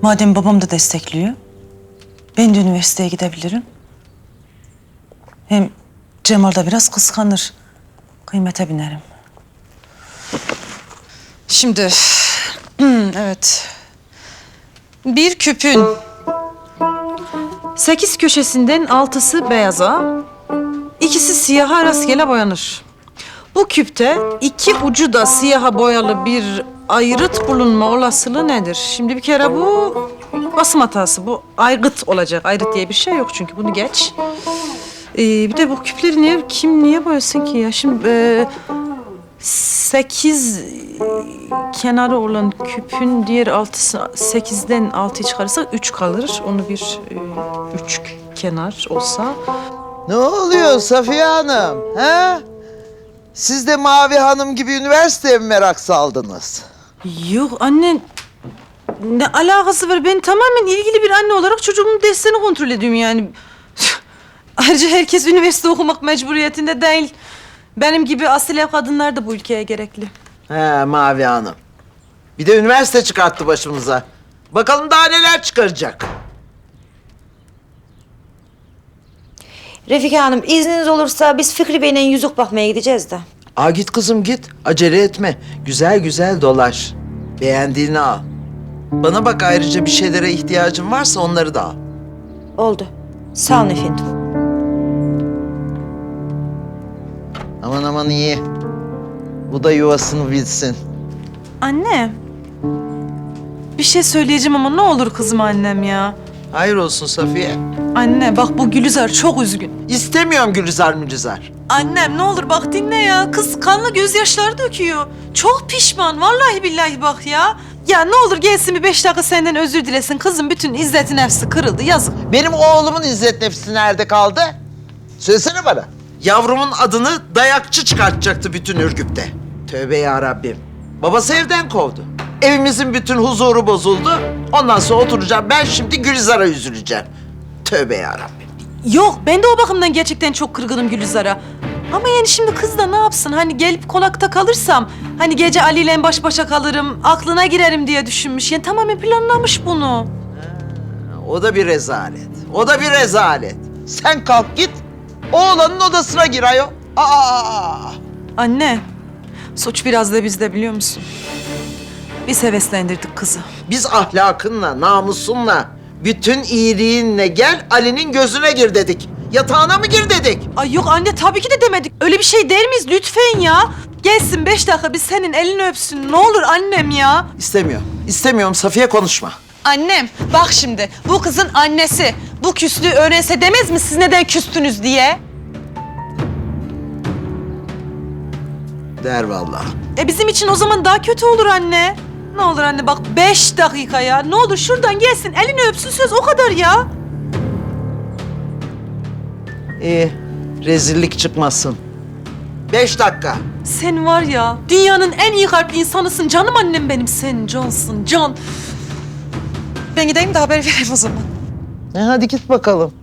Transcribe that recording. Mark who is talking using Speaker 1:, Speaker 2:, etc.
Speaker 1: Madem babam da destekliyor, ben de üniversiteye gidebilirim. Hem Cemal da biraz kıskanır. Kıymete binerim.
Speaker 2: Şimdi, evet. Bir küpün 8 köşesinden 6'sı beyaza, 2'si siyaha rastgele boyanır. Bu küpte 2 ucu da siyaha boyalı bir ayrıt bulunma olasılığı nedir? Şimdi bir kere bu basım hatası. Bu aygıt olacak. Ayrıt diye bir şey yok çünkü bunu geç. Bir de bu küpleri niye boyasın ki ya? Şimdi 8 kenarı olan küpün diğer 6'sı 8'den 6'yı çıkarırsak 3 kalır. Onu bir 3 kenar olsa.
Speaker 3: Ne oluyor Safiye Hanım? He? Siz de Mavi Hanım gibi üniversiteye mi merak saldınız?
Speaker 2: Yok anne, ne alakası var? Ben tamamen ilgili bir anne olarak çocuğumun derslerini kontrol ediyorum yani. Ayrıca herkes üniversite okumak mecburiyetinde değil. Benim gibi asil ev kadınlar da bu ülkeye gerekli.
Speaker 3: He Mavi Hanım. Bir de üniversite çıkarttı başımıza. Bakalım daha neler çıkaracak.
Speaker 4: Refika Hanım, izniniz olursa biz Fikri Bey'le yüzük bakmaya gideceğiz de.
Speaker 3: Aa git kızım git. Acele etme. Güzel güzel dolaş. Beğendiğini al. Bana bak ayrıca bir şeylere ihtiyacın varsa onları da al.
Speaker 4: Oldu. Sağ olun efendim.
Speaker 3: Aman aman iyi. Bu da yuvasını bilsin.
Speaker 2: Anne, bir şey söyleyeceğim ama ne olur kızma annem ya.
Speaker 3: Hayır olsun Safiye.
Speaker 2: Anne bak bu Gülizar çok üzgün.
Speaker 3: İstemiyorum Gülizar Mülizar.
Speaker 2: Annem ne olur bak dinle ya. Kız kanlı gözyaşları döküyor. Çok pişman vallahi billahi bak ya. Ya ne olur gelsin bir 5 dakika senden özür dilesin. Kızım bütün izzeti nefsi kırıldı yazık.
Speaker 3: Benim oğlumun izzet nefsi nerede kaldı? Söylesene bana. Yavrumun adını dayakçı çıkartacaktı bütün Ürgüp'te. Tövbe ya Rabbim. Babası evden kovdu. Evimizin bütün huzuru bozuldu. Ondan sonra oturacağım ben şimdi Gülizar'a üzüleceğim. Tövbe ya Rabbim.
Speaker 2: Yok ben de o bakımdan gerçekten çok kırgınım Gülizar'a. Ama yani şimdi kız da ne yapsın? Hani gelip konakta kalırsam, hani gece Ali ile baş başa kalırım, aklına girerim diye düşünmüş. Yani tamamen planlamış bunu.
Speaker 3: O da bir rezalet. O da bir rezalet. Sen kalk git. Oğlanın odasına gir ayol. Aa!
Speaker 2: Anne, suç biraz da bizde biliyor musun? Biz heveslendirdik kızı.
Speaker 3: Biz ahlakınla, namusunla, bütün iyiliğinle gel Ali'nin gözüne gir dedik. Yatağına mı gir dedik?
Speaker 2: Ay yok anne tabii ki de demedik. Öyle bir şey der miyiz lütfen ya? Gelsin 5 dakika biz senin elini öpsün. Ne olur annem ya.
Speaker 3: İstemiyorum. İstemiyorum Safiye konuşma.
Speaker 2: Annem bak şimdi bu kızın annesi bu küslüğü öğrense demez mi siz neden küstünüz diye?
Speaker 3: Der vallahi.
Speaker 2: Bizim için o zaman daha kötü olur anne. Ne olur anne bak 5 dakika ya. Ne olur şuradan gelsin elini öpsün söz o kadar ya.
Speaker 3: İyi. Rezillik çıkmasın. 5 dakika.
Speaker 2: Sen var ya dünyanın en iyi kalpli insanısın canım annem benim. Sen cansın can. Ben gideyim de haber vereyim o zaman.
Speaker 3: Hadi git bakalım.